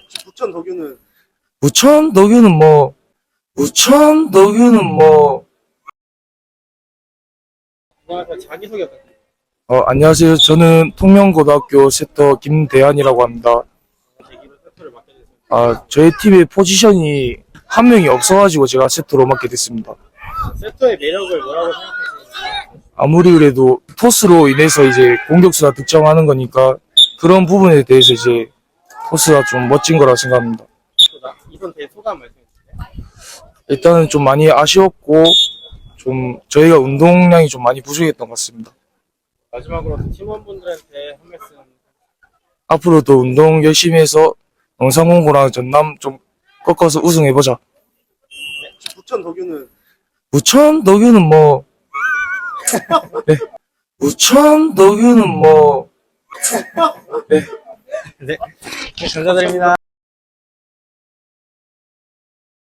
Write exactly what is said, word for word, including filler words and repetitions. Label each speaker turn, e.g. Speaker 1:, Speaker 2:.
Speaker 1: 부천 덕유는
Speaker 2: 부천 덕유는 뭐 부천 덕유는 뭐
Speaker 1: 안녕하세요. 자기소개 부탁드립니다.
Speaker 2: 어, 안녕하세요. 저는 통영고등학교 세터 김대한이라고 합니다.
Speaker 1: 계기로 세터를 맡게 됐습니다.
Speaker 2: 아, 저희 팀의 포지션이 한 명이 없어가지고 제가 세터로 맡게 됐습니다.
Speaker 1: 세터의 매력을 뭐라고 생각하시나요?
Speaker 2: 아무리 그래도 토스로 인해서 이제 공격수가 득점하는 거니까 그런 부분에 대해서 이제 토스가 좀 멋진 거라고 생각합니다.
Speaker 1: 또 나- 이번 대회 소감 말씀해 주세요.
Speaker 2: 일단은 좀 많이 아쉬웠고 좀 저희가 운동량이 좀 많이 부족했던 것 같습니다.
Speaker 1: 마지막으로 팀원분들한테 한 말씀.
Speaker 2: 앞으로도 운동 열심히 해서 영상공고랑 전남 좀 꺾어서 우승해보자.
Speaker 1: 네. 부천 덕유는
Speaker 2: 부천 덕유는 뭐 네. 부천 덕유는 뭐
Speaker 1: 네. 네, 감사드립니다.